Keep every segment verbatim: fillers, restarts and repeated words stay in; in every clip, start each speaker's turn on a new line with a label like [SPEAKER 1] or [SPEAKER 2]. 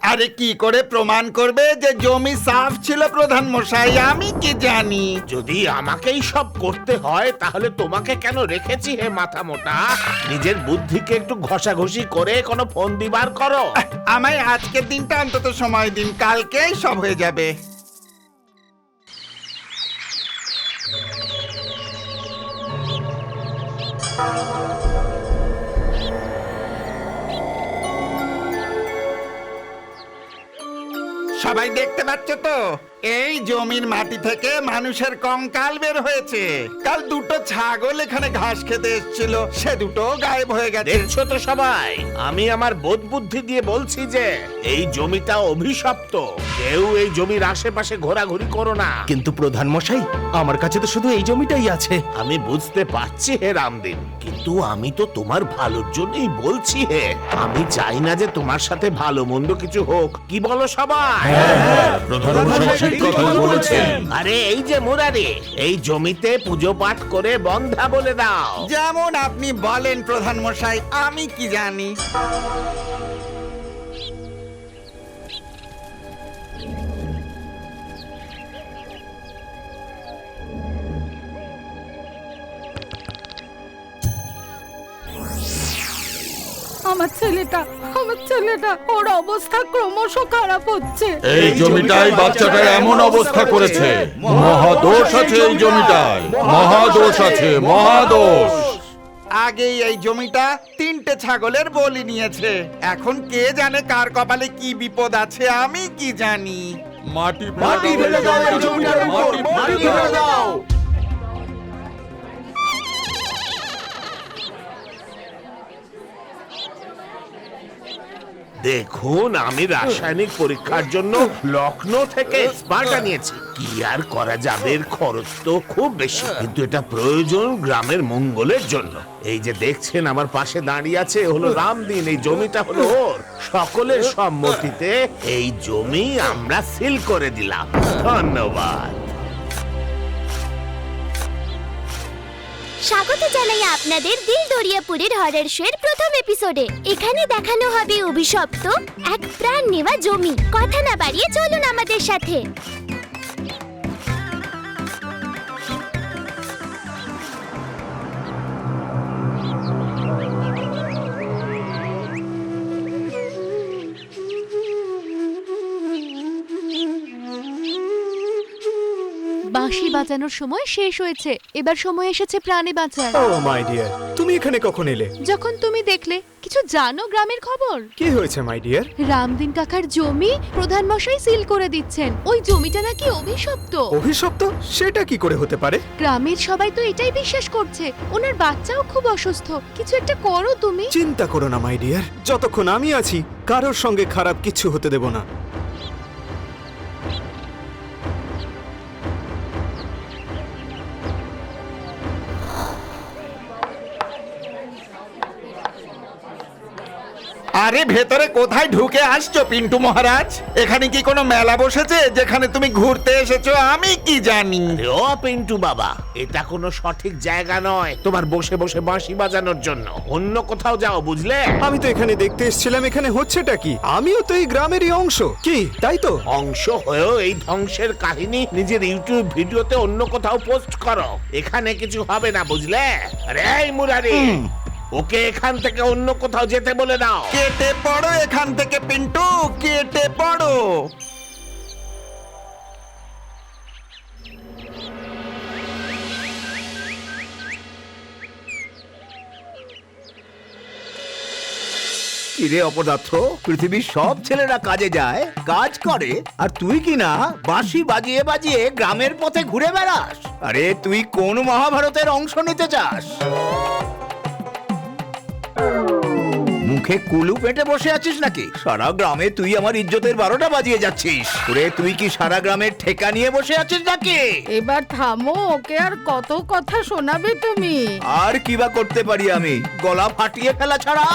[SPEAKER 1] আরে কি করে প্রমাণ করবে যে জমি সাফ ছিল প্রধান মশাই? আমি কি জানি?
[SPEAKER 2] যদি আমাকেই সব করতে হয় তাহলে তোমাকে কেন রেখেছি হে মাথা মোটা? নিজের বুদ্ধিকে একটু ঘষাঘষি করে কোনো ফোন দিবার করো।
[SPEAKER 1] আমায় আজকের দিনটা অন্তত সময় দিন, কালকেই সব হয়ে যাবে। সবাই দেখতে পাচ্ছ তো, এই জমির মাটি থেকে মানুষের কঙ্কাল বের হয়েছে। কাল দুটো ছাগল এখানে ঘাস খেতে এসেছিল, সে দুটো গায়েব হয়ে গেছে।
[SPEAKER 2] দেখছো তো সবাই, আমি আমার বোধ বুদ্ধি দিয়ে বলছি যে এই জমিটা অভিশপ্ত। কেউ এই জমির আশেপাশে ঘোরাঘুরি করো না।
[SPEAKER 3] কিন্তু প্রধান মশাই, আমার কাছে তো শুধু এই জমিটাই আছে।
[SPEAKER 2] আমি বুঝতে পারছি হে রামদিন, কিন্তু আমি তো তোমার ভালোর জন্যই বলছি হে। আমি চাই না যে তোমার সাথে ভালো মন্দ কিছু হোক। কি বলো সবাই? আরে এই যে মুরারি, এই জমিতে পুজো পাঠ করে বন্ধা বলে দাও।
[SPEAKER 1] যেমন আপনি বলেন প্রধান মশাই, আমি কি জানি?
[SPEAKER 4] আমার ছেলেটা আমার ছেলেটা ওর অবস্থা ক্রমশ খারাপ হচ্ছে।
[SPEAKER 5] এই জমিটাই বাচ্চাটা এমন অবস্থা করেছে। মহাদোষ আছে এই জমিটায়, মহাদোষ আছে, মহাদোষ।
[SPEAKER 1] আগেই এই জমিটা তিনটে ছাগলের বলি নিয়েছে। এখন কে জানে কার কপালে কি বিপদ আছে? আমি কি জানি?
[SPEAKER 5] মাটি মাটি ফেলে দাও এই জমিটার উপর, মাটি ফেলে দাও।
[SPEAKER 2] দেখুন, আমি রাসায়নিক পরীক্ষার জন্য লখনৌ থেকে এক্সপার্ট আনিয়েছি। কি আর করা যাবে, এর খরচ তো খুব বেশি, কিন্তু এটা প্রয়োজন গ্রামের মঙ্গলের জন্য। এই যে দেখছেন আমার পাশে দাঁড়িয়ে আছে, এ হলো রামদিন। এই জমিটা হলো ওর। সকলের সম্মতিতে এই জমি আমরা সিল করে দিলাম। ধন্যবাদ।
[SPEAKER 6] স্বাগত জানাই আপনাদের দিল দরিয়াপুরের হরর শোয়ের প্রথম এপিসোডে। এখানে দেখানো হবে অভিশপ্ত এক প্রাণ নেওয়া জমি। কথা না বাড়িয়ে চলুন আমাদের সাথে।
[SPEAKER 7] বাঁশি বাজানোর সময় শেষ হয়েছে, এবার সময় এসেছে প্রাণে বাঁচার।
[SPEAKER 3] ও মাই ডিয়ার, তুমি এখানে কখন এলে?
[SPEAKER 7] যখন তুমি দেখলে। কিছু জানো গ্রামের খবর?
[SPEAKER 3] কি হয়েছে মাই ডিয়ার?
[SPEAKER 7] রামদিন কাকার জমি প্রধান মশাই সিল করে দিচ্ছেন। ওই জমিটা নাকি অভিশপ্ত।
[SPEAKER 3] অভিশপ্ত? সেটা কি করে হতে পারে?
[SPEAKER 7] গ্রামের সবাই তো এটাই বিশ্বাস করছে। ওনার বাচ্চাও খুব অসুস্থ। কিছু একটা করো তুমি।
[SPEAKER 3] চিন্তা করো না মাই ডিয়ার, যতক্ষণ আমি আছি কারোর সঙ্গে খারাপ কিছু হতে দেব না।
[SPEAKER 1] আরে ভেতরে কোথায় ঢুকে আসছো পিন্টু মহারাজ? এখানে কি কোনো মেলা বসেছে যেখানে তুমি ঘুরতে এসেছো? আমি কি জানি?
[SPEAKER 2] আরে ও পিন্টু বাবা, এটা কোনো সঠিক জায়গা নয় তোমার বসে বসে বাঁশি বাজানোর জন্য। অন্য কোথাও যাও, বুঝলে?
[SPEAKER 3] আমি তো এখানে দেখতে এসেছিলাম, এখানে হচ্ছেটা কি? আমিও তো এই গ্রামেরই অংশ, কি তাই তো?
[SPEAKER 2] অংশ হয়েও এই ধ্বংসের কাহিনী নিজের ইউটিউব ভিডিওতে অন্য কোথাও পোস্ট করো। এখানে কিছু হবে না, বুঝলে? আরে এই মুরারি, ওকে এখান থেকে অন্য কোথাও যেতে বলে দাও।
[SPEAKER 1] কেটে পড়ো এখান থেকে পিন্টু, কেটে পড়ো।
[SPEAKER 8] কিরে অপদার্থ, পৃথিবীর সব ছেলেরা কাজে যায়, কাজ করে, আর তুই কি না বাঁশি বাজিয়ে বাজিয়ে গ্রামের পথে ঘুরে বেড়াস? আরে তুই কোন মহাভারতের অংশ নিতে চাস? মুখে কুলু পেটে বসে আছিস নাকি? সারা গ্রামে তুই আমার ইজ্জতের বারোটা বাজিয়ে যাচ্ছিস। ওরে তুই কি সারা গ্রামের ঠেকা নিয়ে বসে আছিস নাকি?
[SPEAKER 4] এবার থামো, ওকে আর কত কথা শোনাবে তুমি?
[SPEAKER 8] আর কি বা করতে পারি আমি, গলা ফাটিয়ে ফেলা ছাড়া?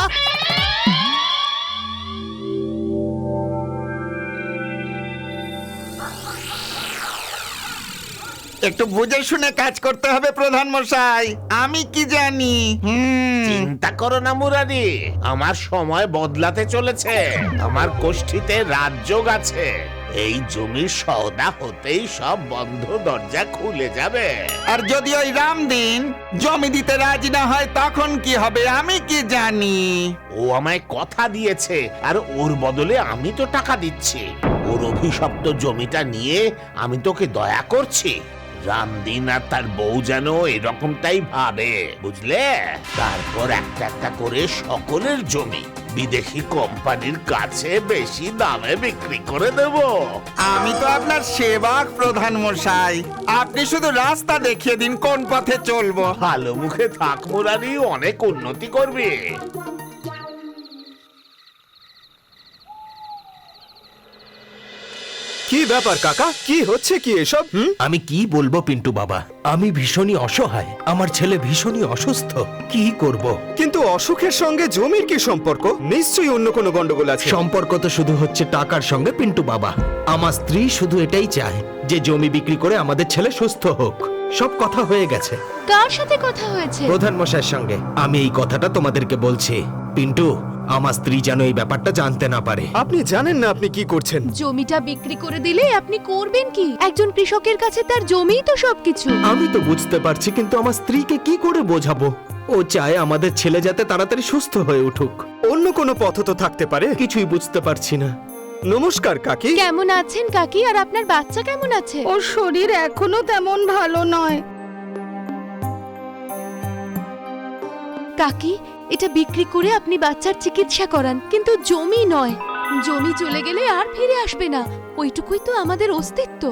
[SPEAKER 1] একটু বুঝে শুনে কাজ করতে হবে প্রধান মশাই। আমি কি জানি? হুম
[SPEAKER 2] চিন্তা করো না মুরারি, আমার সময় বদলাতে চলেছে। আমার কোষ্ঠীতে রাজযোগ আছে। এই জমির সওদা হতেই সব বন্ধ দরজা খুলে যাবে।
[SPEAKER 1] আর যদি ওই রামদিন জমি দিতে রাজি না হয় তখন কি হবে আমি কি জানি?
[SPEAKER 2] ও আমায় কথা দিয়েছে, আর ওর বদলে আমি তো টাকা দিচ্ছি। ওর অভিশপ্ত জমিটা নিয়ে আমি তোকে দয়া করছি। রামদিন আর তার বউ যেন এরকমটাই ভাবে, বুঝলে? তারপর একটা একটা করে সকলের জমি বিদেশি কোম্পানির কাছে বেশি দামে বিক্রি করে দেব।
[SPEAKER 1] আমি তো আপনার সেবক প্রধান মশাই, আপনি শুধু রাস্তা দেখিয়ে দিন কোন পথে চলবো।
[SPEAKER 2] ভালো মুখে থাক মুরারি, অনেক উন্নতি করবে।
[SPEAKER 3] কি ব্যাপার কাকা, কি হচ্ছে কি এসব? হুম?
[SPEAKER 9] আমি কি বলবো পিন্টু বাবা, আমি ভীষণই অসহায়। আমার ছেলে ভীষণই অসুস্থ, কি করব?
[SPEAKER 3] কিন্তু অসুখের সঙ্গে জমির কি সম্পর্ক? নিশ্চয়ই অন্য কোনো গন্ডগোল আছে।
[SPEAKER 9] সম্পর্ক তো শুধু হচ্ছে টাকার সঙ্গে পিন্টু বাবা। আমার স্ত্রী শুধু এটাই চায় যে জমি বিক্রি করে আমাদের ছেলে সুস্থ হোক। সব কথা হয়ে গেছে
[SPEAKER 7] কার সাথে কথা হয়েছে?
[SPEAKER 9] প্রধান মশাইয়ের সঙ্গে। আমি এই কথাটা তোমাদেরকে বলছি। পিন্টু, আমার স্ত্রী যেন এই ব্যাপারটা জানতে না পারে।
[SPEAKER 3] আপনি জানেন না আপনি কি করছেন?
[SPEAKER 7] জমিটা বিক্রি করে দিলে আপনি করবেন কি? একজন কৃষকের কাছে তার জমিই তো সবকিছু।
[SPEAKER 9] আমি তো বুঝতে পারছি, কিন্তু আমার স্ত্রীকে কি করে বোঝাবো? ও চায় আমাদের ছেলে যাতে তাড়াতাড়ি সুস্থ হয়ে উঠুক।
[SPEAKER 3] অন্য কোনো পথ তো থাকতে পারে।
[SPEAKER 9] কিছুই বুঝতে পারছি না।
[SPEAKER 3] নমস্কার কাকি।
[SPEAKER 7] কেমন আছেন কাকি? আর আপনার বাচ্চা কেমন আছে?
[SPEAKER 4] ওর শরীর এখনো তেমন ভালো নয়।
[SPEAKER 7] কাকি, এটা বিক্রি করে আপনি বাচ্চার চিকিৎসা করান, কিন্তু জমি নয়। জমি চলে গেলে আর ফিরে আসবে না, ওইটুকুই তো আমাদের অস্তিত্ব।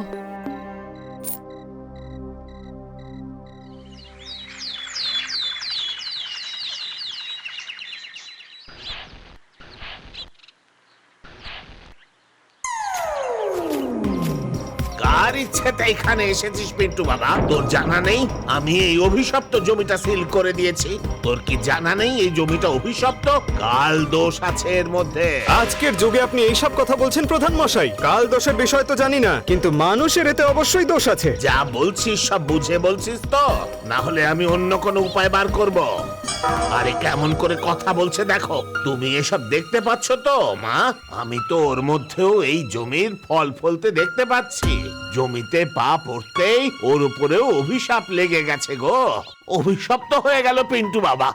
[SPEAKER 2] কার ইচ্ছেতে এখানে এসেছিস পিন্টু বাবা? তোর জানা নেই আমি এই অভিশপ্ত জমিটা সিল করে দিয়েছি? তোর কি জানা নেই এই জমিটা অভিশপ্ত? কাল দোষ আছে এর মধ্যে।
[SPEAKER 3] আজকের যুগে আপনি এইসব কথা বলছেন প্রধান মশাই? কাল দোষের বিষয় তো জানি না, কিন্তু মানুষের এতে অবশ্যই দোষ আছে।
[SPEAKER 2] যা বলছিস সব বুঝে বলছিস তো? না হলে আমি অন্য কোনো উপায় বার করব। আরে কেমন করে কথা বলছে দেখো। তুমি এসব দেখতে পাচ্ছ তো মা? আমি তো ওর মধ্যেও এই জমির ফল ফলতে দেখতে পাচ্ছি। জমিতে পা পড়তেই ওর উপরেও অভিশাপ লেগে গেছে গো। অভিশপ্ত হয়ে গেল পিন্টু বাবা।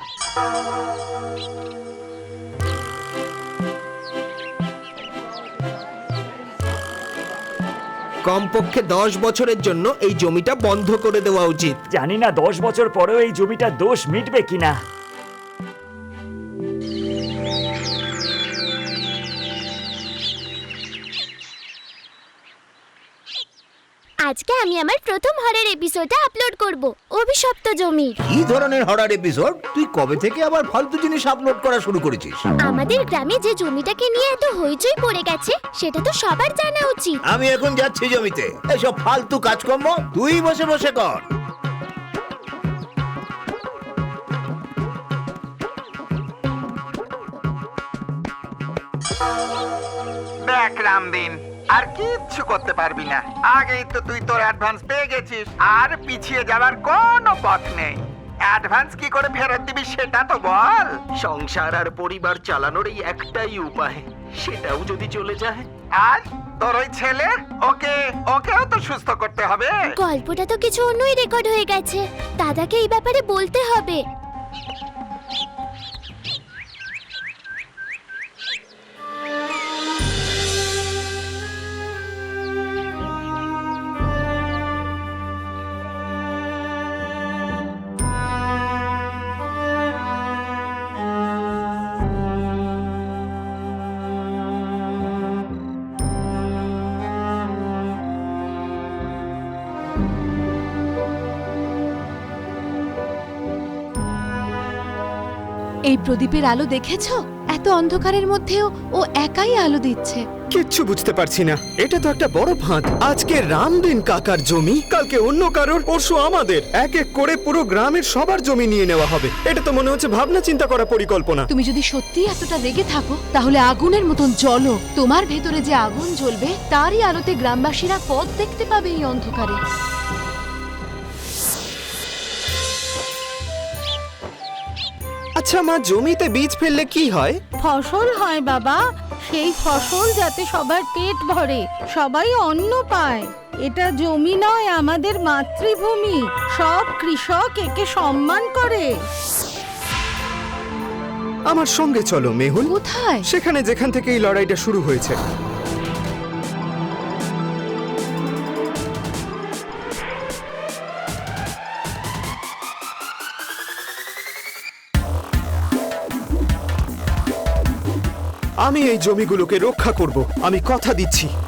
[SPEAKER 9] কমপক্ষে দশ বছরের জন্য এই জমিটা বন্ধ করে দেওয়া উচিত।
[SPEAKER 10] জানি না দশ বছর পরেও এই জমিটার দোষ মিটবে কিনা।
[SPEAKER 6] আজকে আমি আমার প্রথম হরের এপিসোডটা আপলোড করব, অভিশপ্ত জমির।
[SPEAKER 8] কি ধরনের হরার এপিসোড? তুই কবে থেকে আবার ফালতু জিনিস আপলোড করা শুরু করেছিস?
[SPEAKER 6] আমাদের গ্রামে যে জমিটাকে নিয়ে এত হইচই পড়ে গেছে সেটা তো সবার জানা উচিত।
[SPEAKER 8] আমি এখন যাচ্ছি জমিতে। এসব ফালতু কাজকর্ম তুই বসে বসে কর।
[SPEAKER 1] দেখ রামদিন, আর কিচ্ছু করতে পারবি না। আগেই তো তুই তোর অ্যাডভান্স পেয়ে গেছিস, আর পিছিয়ে যাবার কোনো পথ নেই। অ্যাডভান্স কি করে ফেরত দিবি সেটা তো বল।
[SPEAKER 9] সংসার আর পরিবার চালানোর এই একটাই উপায়, সেটাও যদি চলে যায়।
[SPEAKER 1] আর তোর ওই ছেলে, ওকে ওকেও তো সুস্থ করতে হবে।
[SPEAKER 6] গল্পটা তো কিছু অন্যই রেকর্ড হয়ে গেছে, দাদাকে এই ব্যাপারে বলতে হবে।
[SPEAKER 7] এই প্রদীপের আলো দেখেছো? এত অন্ধকারের মধ্যেও ও একাই আলো দিচ্ছে।
[SPEAKER 3] কিচ্ছু বুঝতে পারছি না। এটা তো একটা বড় ফাঁদ। আজকে রামদিন কাকার জমি, কালকে অন্য কারোর, পরশু আমাদের। এক এক করে পুরো গ্রামের সবার জমি নিয়ে নেওয়া হবে। এটা তো মনে হচ্ছে ভাবনা চিন্তা করা পরিকল্পনা।
[SPEAKER 7] তুমি যদি সত্যি এতটা রেগে থাকো তাহলে আগুনের মতন জ্বলো। তোমার ভেতরে যে আগুন জ্বলবে তারই আলোতে গ্রামবাসীরা পথ দেখতে পাবে এই অন্ধকারে।
[SPEAKER 3] আচ্ছা মা, জমিতে বীজ ফেললে কি হয়?
[SPEAKER 4] ফসল হয় বাবা, সেই ফসল যাতে সবার পেট ভরে, সবাই অন্ন পায়। এটা জমি নয়, আমাদের মাতৃভূমি। সব কৃষক একে সম্মান করে।
[SPEAKER 3] আমার সঙ্গে চলো মেহুল।
[SPEAKER 7] কোথায়?
[SPEAKER 3] সেখানে যেখান থেকে এই লড়াইটা শুরু হয়েছে। আমি এই জমিগুলোকে রক্ষা করব, আমি কথা দিচ্ছি।